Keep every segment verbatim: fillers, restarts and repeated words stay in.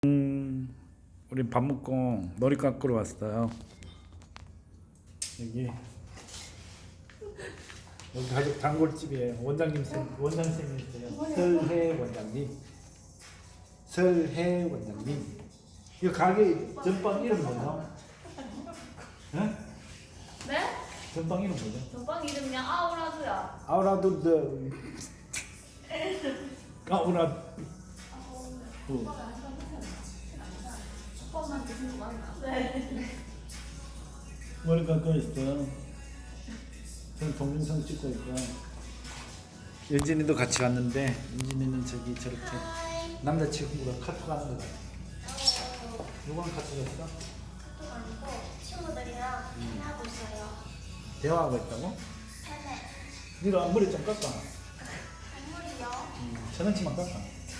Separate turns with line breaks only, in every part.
음, 우리 밥 먹고 머리 깎으러 왔어요. 여기 여기 가족 단골집이에요. 원장님 쌤, 원장 쌤이세요. 설혜 원장님. 설혜 원장님. 이 가게 전방 이름 뭐죠? 네?
네?
전방 이름 뭐죠?
전방 이름이 아우라드야.
아우라도 아우라.
오빠만 드시는 거 맞나? 네.
머리 깎고 있어. 저는 동영상 찍고 있고. 윤진이도 같이 왔는데 윤진이는 저기 저렇게 남자친구가 카톡하는 거 같아. 누구랑 카톡했어?
또 아니고 친구들이랑 대화하고 있어요.
대화하고 있다고?
팬에
네가 앞머리 좀 깎아.
선물이요.
음, 천 원치만 깎아.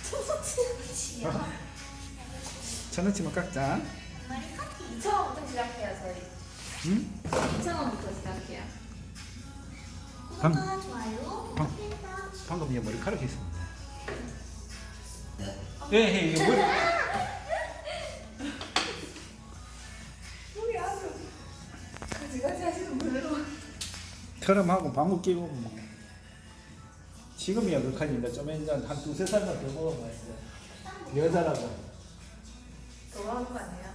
친구치요.
천 원치만 깎자.
머리 커티.
이천 원부터 시작해요 저희.
응?
이천 원부터 시작해요.
방-
구독과 좋아요.
방-
부탁드립니다.
방금 얘 머리카락이 있습니다. 네, 이게 머리.
우리 아주 가지가지 하시는 분으로.
트럼하고 방구 끼고 뭐. 지금이야 극한인데 좀 이제 한 두세 살만 더 먹으면 이제 여자라고.
돌아오는 거 아니에요?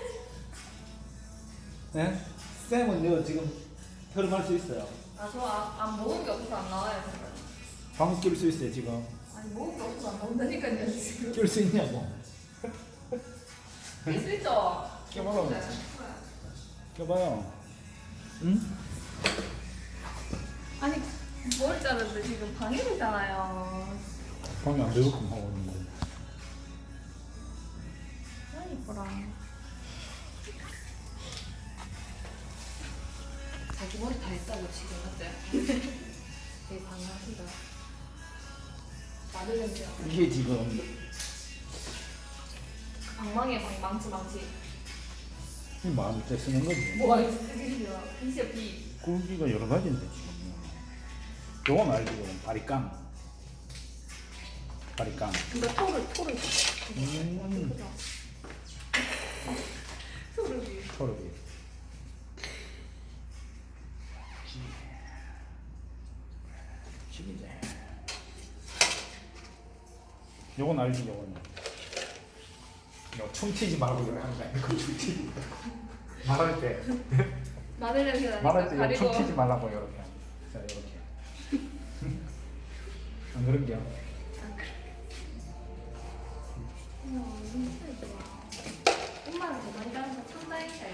네? 쌤은 너 지금 트럼할 수 있어요.
아저안 먹은 게 없어서 안 나와요 정말.
방구 낄 수 있어요 지금.
아니 먹은 게 없어서 안 먹는다니까요 지금.
낄 수 있냐고.
낄수 있죠?
껴봐요.
네.
껴봐요. 응?
아니 머리 자르는데 지금 방해되잖아요.
방이 안 되게끔 하고 있는데.
아 이뻐라. 자기 머리 다 했다고 지금 맞죠? 되게 강하시다. 마늘 냄새야.
이게 지금
방망이에 방 망치 망치.
이 마음을 때 쓰는 거지.
뭐가 있어? 빛이야. 빛이야 빛.
굵기가 여러 가지인데 지금. 요건 알지? 요건 바리깡. 바리깡.
이거 토르 토르.
음.
예쁘다. 토르비.
토르비. 지기지. 요건 알지? 요건. 요 춤튀지 말고 이렇게 하는 거 아니고 춤튀지. 말할 때.
마늘 냄새 나니까
말할 때
가리고.
춤튀지 말라고 이렇게. 자 이렇게. 안 그런겨?
어머, 눈썹이 좋아. 엄마랑 더 많이 다른 거 상당했어요.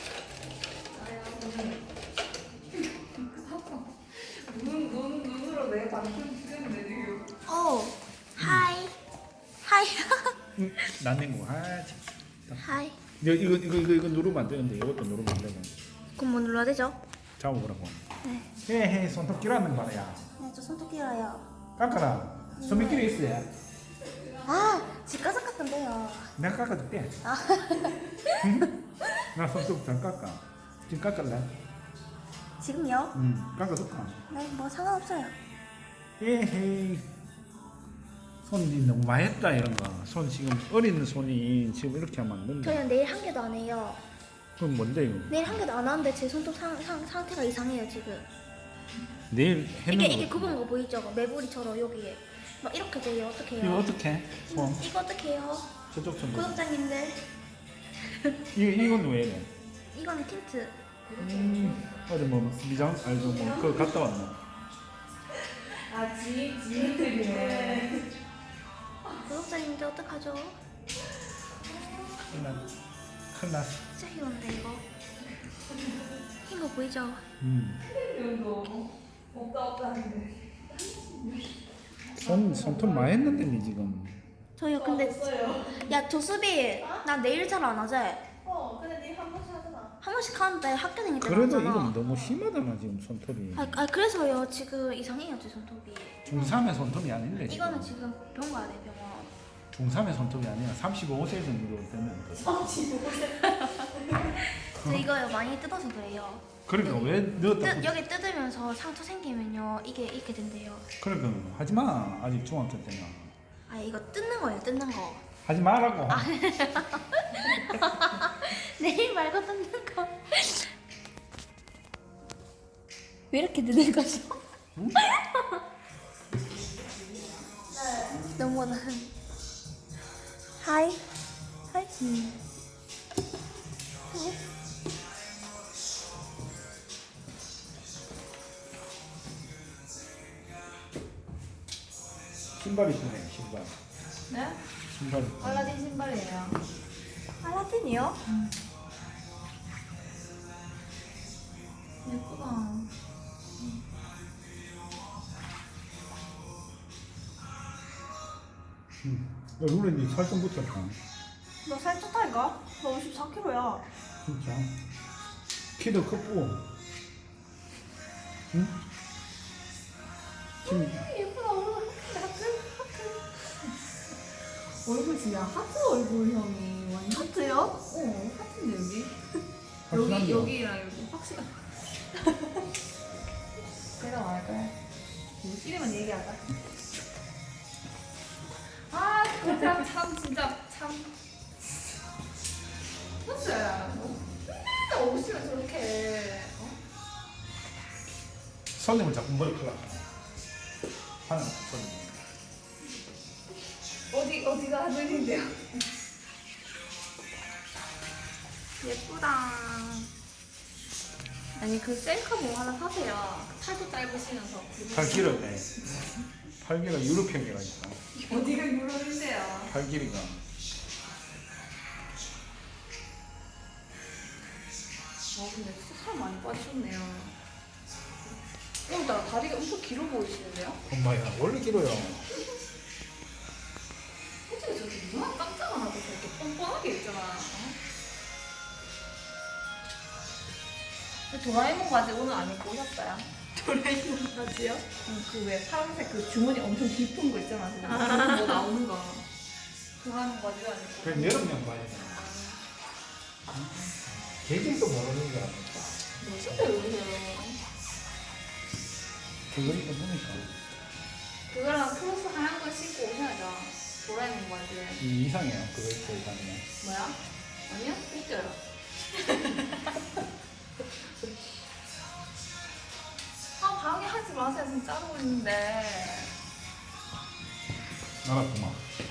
눈, 눈, 눈으로 내 방금 찍었는데 지금.
오, 하이. 하이.
응? 난냉구. 아 참.
하이.
이거 이거 이거 이거, 이거 누르면 안 되는데 이것도 누르면 안 되고.
그럼 뭐 눌러야 되죠?
잡아보라고.
네.
헤헤 손톱 끼라는 말이야.
네, 저 손톱 길어요.
깎아라. 소매끼리 있어야.
아, 집 가서 깎던데요.
내가 깎아줄게.
아,
응? 나 손톱 잘 깎아. 지금 깎을래?
지금요?
응. 깎아줄까?
네, 뭐 상관없어요.
헤헤. 손이 너무 많이 했다 이런 거. 손 지금 어린 손이 지금 이렇게 하면 안 된다.
저는 내일 한 개도 안 해요.
그럼 뭔데 이거?
내일 한 개도 안 하는데 제 손톱 상, 상, 상태가 이상해요 지금.
내일 해는
이게
거.
이게 굽은 거 보이죠? 매부리처럼 여기에 막 이렇게 돼요. 어떻게
이거
해요?
어떻게? 손
이거 어떻게 해요?
저쪽 손.
구독자님들
이거 이건 왜 이래?
이거는 틴트.
음, 어제 뭐 미장 알죠 뭐 그거 갔다 왔나?
아, 지, 지인들이네.
구독자님들 어떡하죠?
큰일 났 큰일 났어.
진짜 귀여운데 이거. 흰 거 보이죠?
음.
이런거 없다 없다 하는데.
손 손톱 많이 했는데 니 지금.
저요 근데
없어요.
야 조수비 나 내일 잘 안 하지?
어, 근데 니 한 번씩 하잖아.
한 번씩 하는데 학교 다닐 때
그래도
하잖아.
이건 너무 심하잖아 지금 손톱이.
아, 아 그래서요 지금 이상해요 제 손톱이.
중삼의 손톱이 아닌데 지금.
이거는 지금 병원 가야 돼 병원.
중삼의 손톱이 아니라 삼십오 세 정도 되면 돼.
저 이거요 많이 뜯어서 그래요.
그러니까 왜 넣었다?
뜯, 여기 뜯으면서 상처 생기면요 이게 이렇게 된대요.
그러니까 하지 마. 아직 중학교 때나.
아 이거 뜯는 거예요 뜯는 거.
하지 말라고.
내일 말고 듣는 거. 왜 이렇게 늦은 거죠?
응?
너무 나. 하이. 하이. 음.
신발 이쁘네 신발.
네?
신발. 이쁘네.
알라딘 신발이에요.
알라딘이요?
예쁘다.
응. 얼굴에 니 살 좀 붙였다.
너 살쪘다니까? 너 오십사 킬로야.
진짜. 키도 크고. 응? 지금
예쁘다. 얼굴 하트 하트. 얼굴 진짜 하트 얼굴형이 완전.
하트요?
어 하트인데 여기. 여기
확실한데요?
여기랑 여기 확실한. 제가 말할까요? 우리끼리만 얘기하자. 아, 그 사람 참 진짜 참. 근데 맨날 오시면 저렇게 어?
손님을 자꾸 머리 클라. 하는 손님.
어디 어디가 하늘인데요?
예쁘다. 아니 그 셀카 뭐 하나 사세요.
팔도 짧으시면서.
팔 길어네. 팔 길어 유럽형이라 있다.
어디가 유럽인데요?
팔 길이가.
어 근데 진짜 살 많이 빠지셨네요. 오늘따라 다리가 엄청 길어 보이시는데요?
엄마야 원래 길어요.
솔직히 저렇게 누나 깜짝안 하고 저렇게 뻔뻔하게 있잖아. 어? 도라에몽 바지 오늘 안 입고 오셨어요?
도라에몽 바지요?
응, 그 왜 파란색 그 주머니 엄청 깊은 거 있잖아. 그거 아~ 뭐 나오는 거. 도라에몽 바지도 안 입고.
그냥 여름용 봐야지. 계절도 모르는 줄 알았다.
멋있다 여기서.
그거 입고 보니까
그거랑 크로스 하얀 거 신고 오셔야죠. 도라에몽 바지.
이 이상해요. 그거 입고 다니면.
뭐야? 아니요? 웃겨요. 아 방해하지 마세요. 지금 짜고 있는데.
알았구만.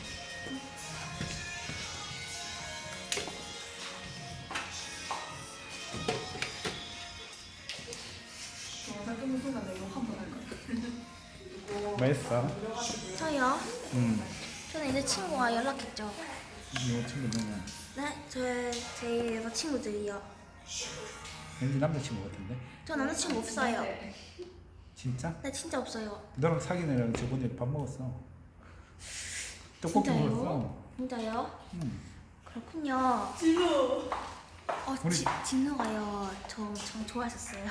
영상 끊는 순간 내가 한번 할 거야. 이거
뭐 했어?
저요?
응.
저는 이제 친구가 연락했죠.
이거 친구 누구야?
네, 저의 제 여자친구들이요.
왠지 남자친구 같은데?
저 남자친구 없어요.
진짜?
네, 진짜 없어요.
너랑 사귄 애랑 저번에 밥 먹었어. 떡볶이
진짜요?
먹었어.
진짜요?
응.
그렇군요. 진우. 어,
우리-
지, 진우가요. 저 엄청 좋아하셨어요.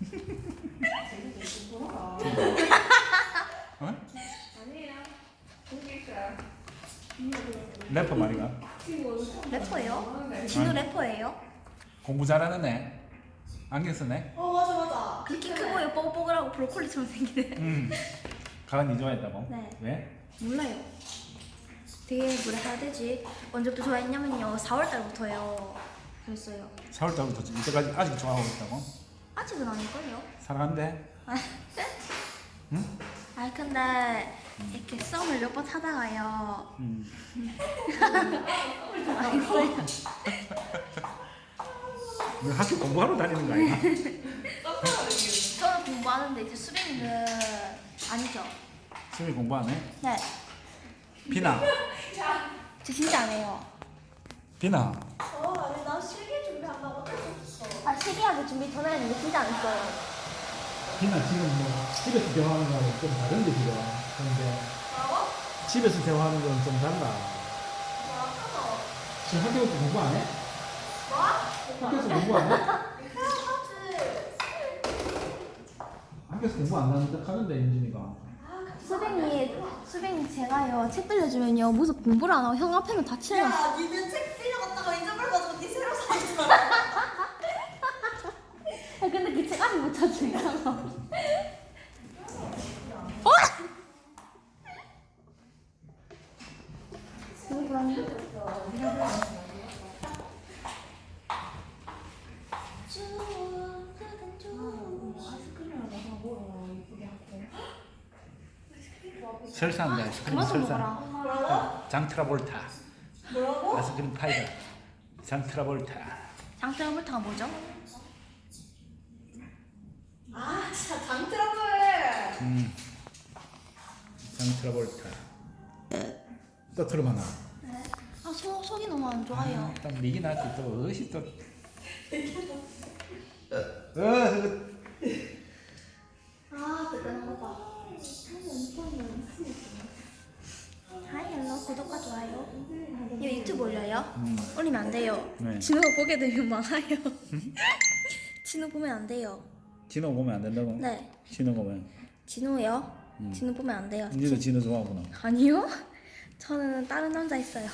어?
아니에요. 거기 있어요.
래퍼 말이가?
래퍼예요? 진우
아니.
래퍼예요?
공부 잘하는 애. 안경 쓰네.
어 맞아 맞아.
그렇게 크고 뽀글뽀글하고 브로콜리처럼 생기네.
응. 가은이 좋아했다고?
네.
왜?
몰라요. 되게 뭐라 해야 되지? 언제부터 좋아했냐면요. 사월 달부터요. 그랬어요.
사월 달부터 이때까지 아직 좋아하고 있다고?
아직은 아닐걸요?
사랑한대? 응?
아니 근데 이렇게 썸을 몇 번 타다가요.
응.
알겠어요.
너 학교 공부하러 다니는 거 아니야?
저는 공부하는데 이제 수빈이는 아니죠.
수미 공부 안 해?
네.
비나.
저 진짜 안 해요.
비나.
어, 아니 나 실기 준비한다고 어쩔 수 없어. 아 실기하기 준비 전에 했는데 진짜 안 했어요.
비나 지금 뭐 집에서 대화하는 거하고 좀 다른데 지금. 근데
뭐라고?
집에서 대화하는 건 좀 달라.
뭐라고?
지금 학교에서 공부 안 해?
뭐?
학교에서 공부 안 해?
해야지.
학교에서 공부 안 하는데 하는데 인진이가.
수빈이 수빈이 제가요 책 빌려주면요 무슨 공부를 안 하고 형 앞에는 다 치는 거.
야, 니는 책 빌려갔다가 잊어버려가지고 니 새로 사지 마.
아 근데 그 책 아직 못 찾으니까. 어? 누구 그러니?
설사한다. 아이스크림
그만 좀
설사.
먹어라.
뭐라고?
장트라볼타.
뭐라고?
아이스크림 파이다. 장트라볼타.
장트러블타가 뭐죠?
아 진짜 당 트러블.
음. 장트라볼타. 또 들어봐나.
아, 속, 속이 너무 안 좋아요.
딱 미기 나지 또 어시 또. 어,
아, 그때는 거다. 하이, 헬로, 구독과 좋아요. 이거 유튜브 올려요?
음.
올리면 안 돼요.
네.
진호가 보게 되면 망해요. 진호 보면 안 돼요.
진호 보면 안 된다고?
네.
진호 보면.
진호요?
음.
진호 보면 안 돼요.
니도 진호 좋아하구나.
아니요. 저는 다른 남자 있어요.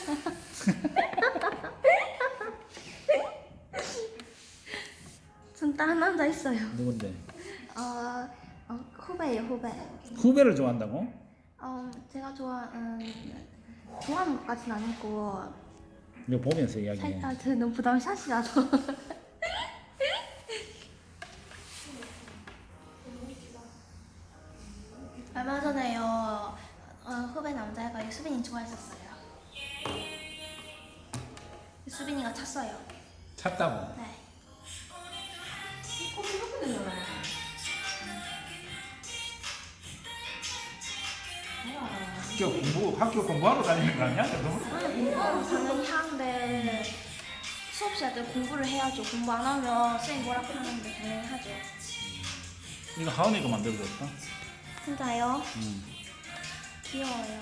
전 다른 남자 있어요.
누군데?
어, 어 후배예요, 후배.
후배를 좋아한다고?
어, 제가 좋아하는 좋아하는 것까지는 아니고
이거 보면서 이야기해.
살짝 저 너무 부담샷이라서. 얼마 전에요. 어, 후배 남자애가 수빈이 좋아했었어요. 수빈이가 찼어요.
찾다고.
네.
커피 먹고 되잖아.
학교 공부 학교 공부하러 다니는 거 아니야? 너무
공부는 당연히 하는데 수업 시간에 공부를 해야죠. 공부 안 하면 쌤이 뭐라고 하는데 당연히 하죠.
이거 하은이가 만들어줬다.
진짜요?
음.
귀여워요.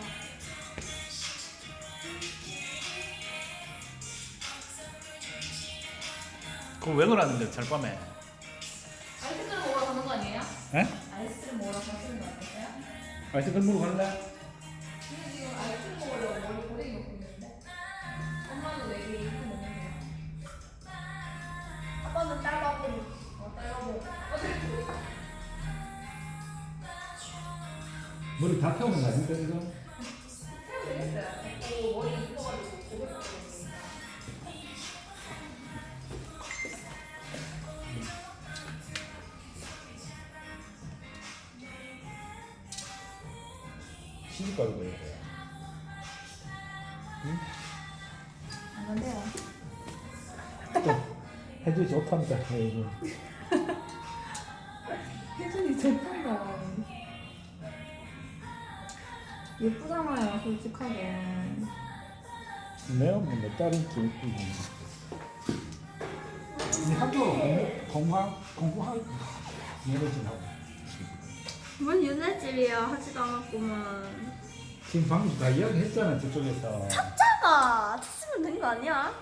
그거 왜 그러는데 절밤에?
아이스크림 먹으러 가는 거 아니에요?
에?
아이스크림 먹으러 가시는 거 아니었어요?
아이스크림 먹으러 갈래?
근데 지금 아이스크림 먹으려고 머리 고데기 먹고 있는데 엄마는 왜 이렇게 이렇게 먹는데요?
아빠는 딸바보니.
어, 딸려고
머리 다 태우는 거 아닙니까 이거?
해도 되겠어요. 또 머리 이뻐가지고 고데기 먹고 있으니까.
시집가도 그래야 돼. 응?
안 간대요.
또 해주기 좋답니다. 이거.
혜준이 좋단다. 예쁘잖아요, 솔직하게.
내가 뭐내 딸이 이쁘지. 이 학교 공부 공부하 공부할 얘를 하고.
뭔 유네집이야 하지도 않았구만.
지금 방금 다 이야기했잖아 저쪽에서.
찾아가 찾으면 된 거 아니야?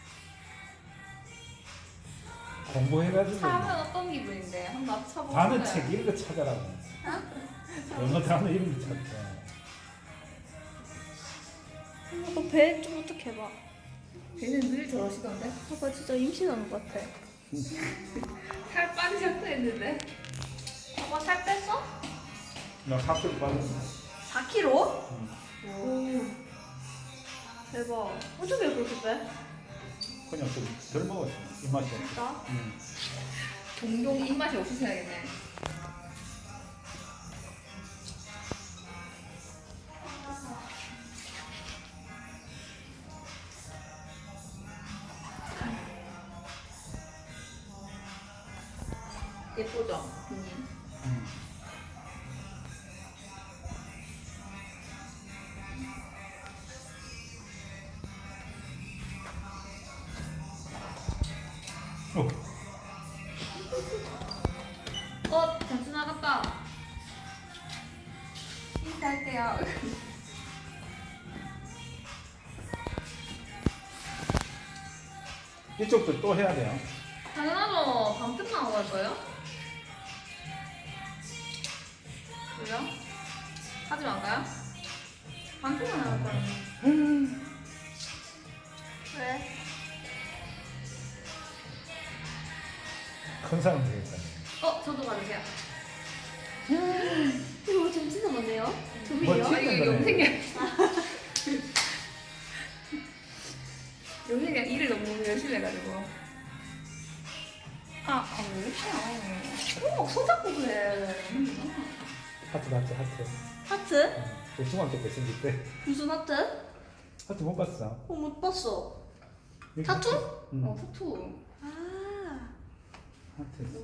공부해가지고
사람은 어떤 기분인데? 한번 맞춰보세요.
단어 책 이런 거 찾아라고. 영어 단어 이런 거 찾자.
너 배 좀 어떻게 봐?
걔는 늘 저러시던데?
아빠 진짜 임신하는 것 같아.
살 빠지셨다 했는데?
아빠 살 뺐어?
나 학교 빠졌어.
사 킬로그램?
응.
오. 대박. 어떻게 그렇게 빼?
그냥 좀 덜 먹었어. 입맛이 없어.
진짜?
응.
종종 입맛이 없으셔야겠네. 예쁘죠? 비님.
응. 어.
어, 잠시 나갔다. 인사할게요.
이쪽도 또 해야 돼요.
당연하죠. 밤끝만 하고 갈 거예요? 왜요? 하지 말까요? 밤끝만 하고 갈 거예요.
왜?
큰 사람 되겠다.
어, 저도 받으세요.
이거 좀 진짜 많네요. 두
뭐
개요?
지-
아, 이거 영생이 영생이가 일을 너무 열심히 해가지고. 아, 아, 왜 이렇게 안 해? 어, 손잡고 그래.
하트 하트 하트.
하트?
저 중학교 때 생길 때
무슨 하트?
하트 못 봤어?
어, 못 봤어.
여기
타투?
하트. 응.
어 타투.
아,
하트 있어.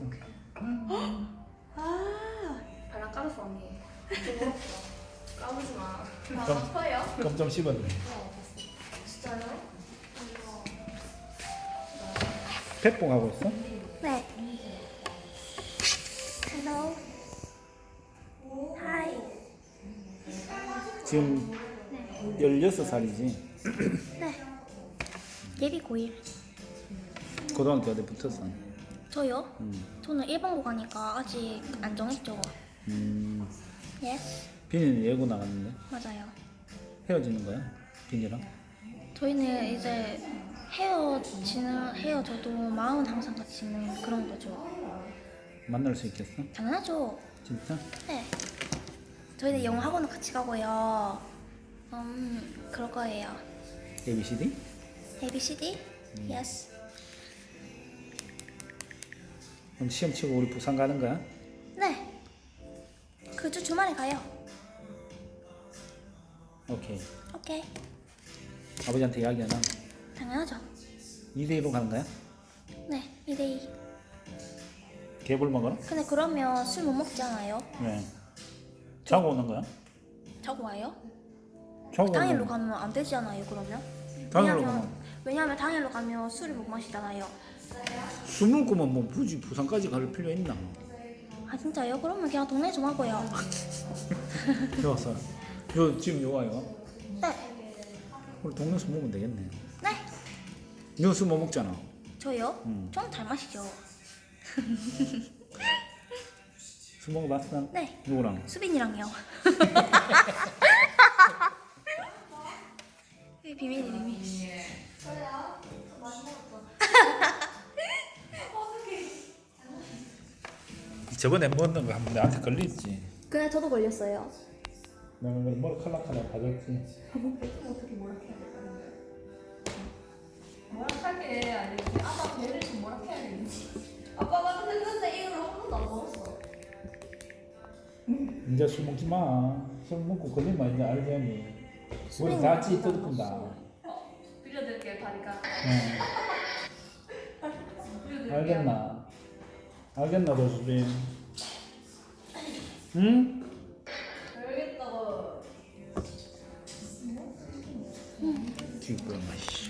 아,
발랑 까졌어 언니. 좀 물었어. 까부지 마. 나
좀-
아파요?
그럼 좀 씹었네.
어 봤어. 진짜요?
백봉 하고 있어?
네. Hello. Hi.
지금 열여섯 살이지.
네. 예비 고일.
고등학교 어디 붙었어?
저요?
음.
저는 일반고 가니까 아직 안 정했죠.
음.
Yes.
비니는 예고 나갔는데
맞아요.
헤어지는 거야? 비니랑?
저희는 이제 헤어지는 헤어져도 마음은 항상 같이 있는 그런 거죠.
만날 수 있겠어?
당연하죠.
진짜?
네. 저희는 영어 학원은 같이 가고요. 음, 그럴 거예요.
에이비씨디?
A B C D? Yes.
그럼 시험 치고 우리 부산 가는 거야?
네. 그 주 주말에 가요.
오케이.
오케이.
아버지한테 이야기하나?
당연하죠.
이 대 이로 가는 거야?
네, 이 대 이.
개불 먹어라?
근데 그러면 술 못 먹잖아요.
네. 자고 오는 거야?
자고 와요?
자고
당일로
오는 거야?
가면 안 되잖아요. 그러면.
당일로
왜냐면
가면
왜냐면 당일로 가면 술을 못 마시잖아요.
술 먹고만 뭐 굳이 부산까지 갈 필요 있나?
아 진짜요? 그러면 그냥 동네 좀 하고요.
좋았어. 요 지금 요 와요.
네.
우리 동네에서 먹으면 되겠네.
네.
너 술 못 먹잖아.
저요?
응.
좀 잘 마시죠.
술 먹어봤어?
네.
누구랑?
수빈이랑요. 이게 비밀이 비밀.
저번에 먹는 거 한번 나한테 걸렸지.
그래 저도 걸렸어요.
내가 그걸 머리 칼락칼락 가졌지.
어떻게 뭐라 해야 될까? 뭐락하게 아니지. 아빠 배를 좀 뭐라 해야 되는지. 아빠 나도 했는데 이걸 한 번도 안 먹었어.
이제 술 먹지 마. 술 먹고 걸리면 이제 알잖니. 우리 다 찌 뜯어푼다.
빌려드릴게요 다리가.
응.
빌려드릴게요.
알겠나? 알겠나, 너 수빈? 응?
알겠다고.
기쁘야, 씨.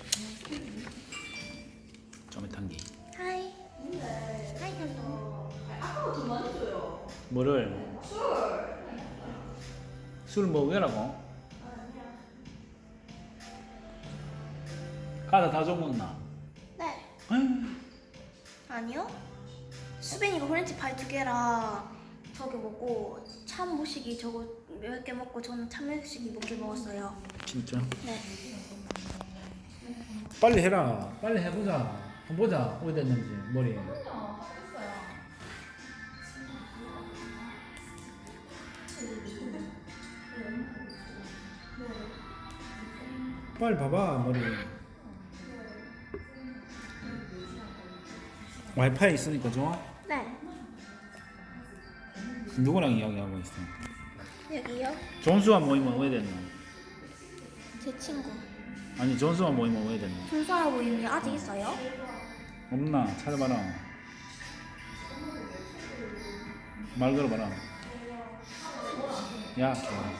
점에 탄기.
하이. 하이 hello.
아빠가 돈 많이 줘요.
뭐를?
술.
술 먹으라고? 가다 다 줘먹나?
네.
아유,
아니요. 수빈이가 호렌지 파이 두 개랑 저기 먹고 참 무식이 저거 몇 개 먹고 저는 참 무식이 몇 개 먹었어요.
진짜?
네.
빨리 해라. 빨리 해보자. 한번 보자. 어디 됐는지 머리.
그럼요. 하겠어요.
빨리 봐봐 머리. 와이파이 있으니까 좋아?
네.
누구랑 이야기하고 있어?
여기요.
존수한 모임은 왜 됐노?
제 친구.
아니 존수한 모임은 왜 됐노?
준수아 모임이 아직 있어요?
없나? 찾아봐라. 말 걸어봐라. 야,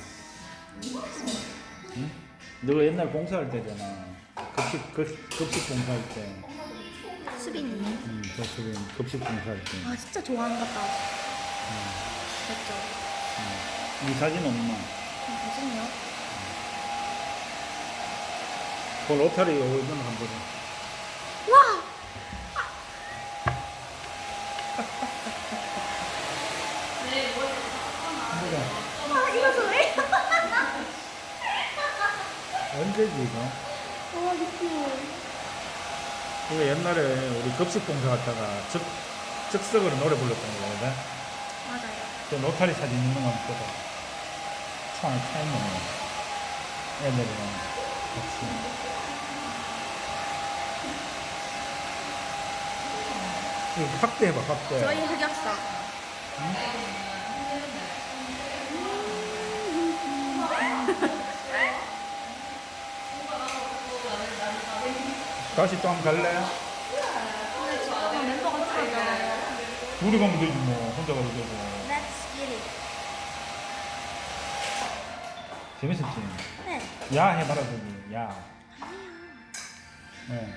응? 너가 옛날 봉사할 때잖아. 급식 급, 급식 봉사할 때.
수빈이.
응, 저 수빈 급식 봉사할 때.
아 진짜 좋아하는 것 같다. 맞죠?
응. 이 사진 없나?
무슨요?
그 로타리 얼마나 한번 보자.
와!
한번 보자.
아 이거 소리?
언제지 이거?
와 느낌.
이거 옛날에 우리 급식 봉사 갔다가 즉 즉석으로 노래 불렀던 거거든.
맞아요.
그 노타리 사진 있는 거 한번 보자. 참 차이네. 애들이랑 같이. 이거 확대해봐 확대.
저희 흑역사. 음,
다시 또 한번 갈래?
근데 저 아까 멤버가 틀어져.
둘이 가면 되지 뭐. 혼자 가도 되고.
Let's get it.
재밌었지?
네.
야 해봐라 저기. 야. 네.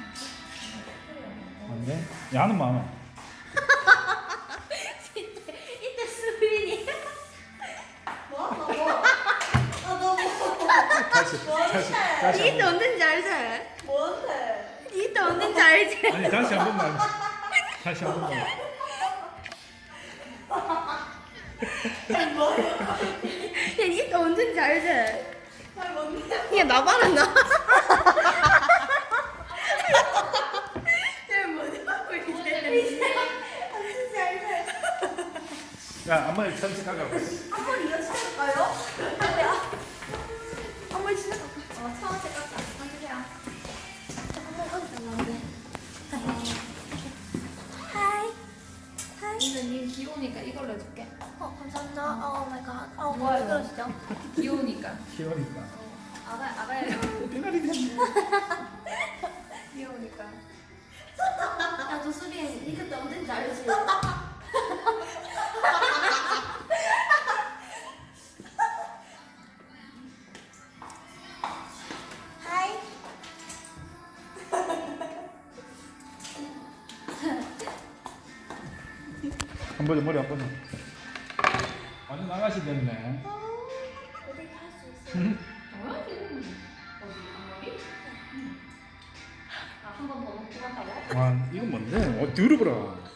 안 돼? 야는 많아.
이때 수빈이.
뭐? 너 뭐? 아, 너 뭐?
다시 다시 다시
이때
한 번.
언제인지 알지?
뭔데?
이때 언제인지 알지?
아니 다시 한 번만. 다시 한 번만.
야, 이때 언제인지 알지?
아, 뭔데?
야, 나봐라, 나. 야, 뭐냐고, 이제.
진짜 알지?
야 한번 천천히 가고.
한번 이어지실까요?
한번 시작.
어, 처음에 깎아. 앉으세요.
하이. 하이.
근데 니 귀여우니까 이걸로 해줄게.
어, 감사합니다. 오 마이 갓. 어, 뭐야, 왜 그러시죠?
귀여우니까.
귀여우니까.
아가 아가야.
빙가리 그냥.
귀여우니까.
야, 너 수빈, 니 그때 언제인지 알지? 하이.
한 번에 머리 한 번에. 완전 나가시 됐네.
어디 갈 수 있어?
응?
뭐야 지금? 어디 앞머리? 아한 번 더 먹고 간다고?
와 이건 뭔데? 어 들어보라.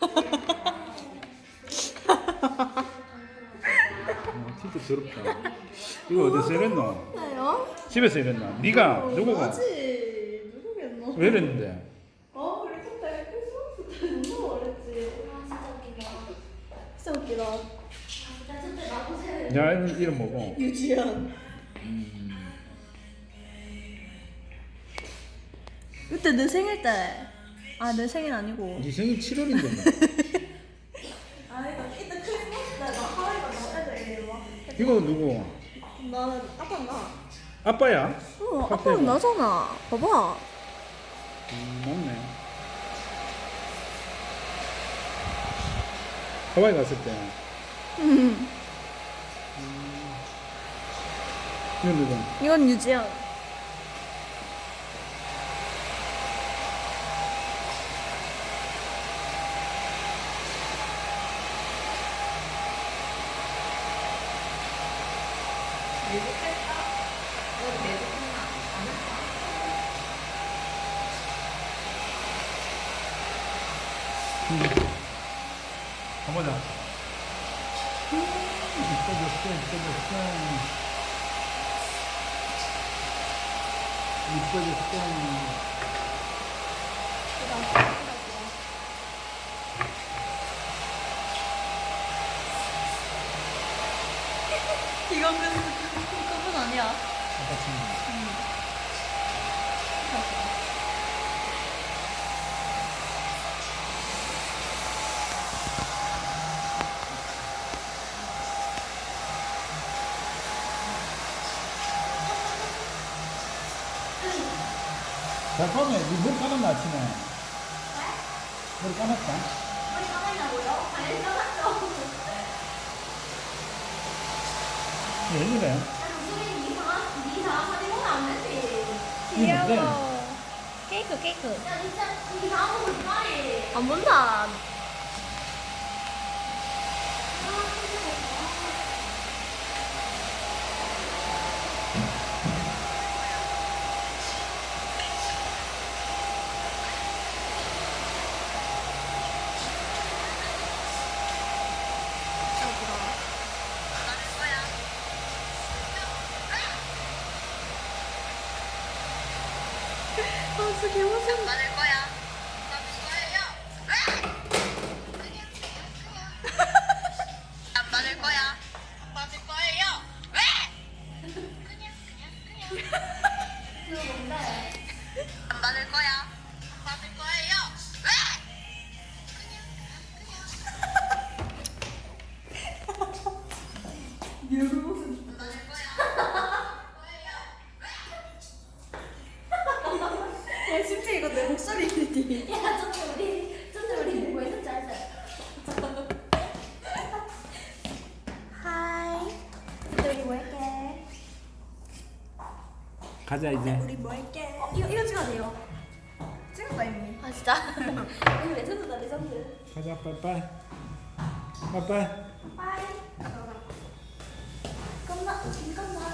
어, 진짜 더럽다. 이거 어디서 이랬노?
나요?
집에서 이랬나? 네가 누구가?
뭐지? 누구겠노?
왜 이랬는데?
어, 우리 그때 크리스마스 때 너무 어렸지.
진짜 웃기다.
나 그때 나보세.
야 이름, 이름 뭐고?
유지연.
음,
그때 내 생일 때. 아, 내 생일 아니고.
네 생일 칠월인데 뭐.
아, 이거 이때 크리스마스 때 나 하와이가 너네들 이리 와.
이거 누구?
나는 아빠 나.
아빠야?
어,
아빠는
나잖아. 봐봐.
음, 맞네. 하와이 갔을 때.
음.
이건 누구?
이건 유지연.
내복할까? 너 내복했나? 안 했다.
가보자. 이뻐졌어, 이뻐졌어. 이뻐졌어.
이건 그 그분 아니야.
아빠 친구. 자, 처음에 니물 감았나, 아침에? 머리 감았다?
머리 감았냐고요? 아니, 감았죠.
왜 이래?
야, 수빈이 이상한, 니 이상한 사진 보면 안 되지.
귀여워.
케이크 케이크.
야, 니 진짜 이상한 거 보지 마리.
안 본다. 아, 진짜 개무슨.
받을 거야. 안 받을 거야. 안 받을 거예요. 왜? 그냥 그냥 그냥. 그거 뭔데? 안 받을 거야. 안 받을 거예요. 왜? 그냥 그냥 그냥. 안 받을 거야.
가자 이제.
우리 뭐 할게?
어, 이거 이거 찍어야 돼요. 찍었다 이미.
아 진짜?
이거 레전드다 레전드.
가자 빠이빠이. 빠이빠이.
빠이. 끝나. 잠깐만.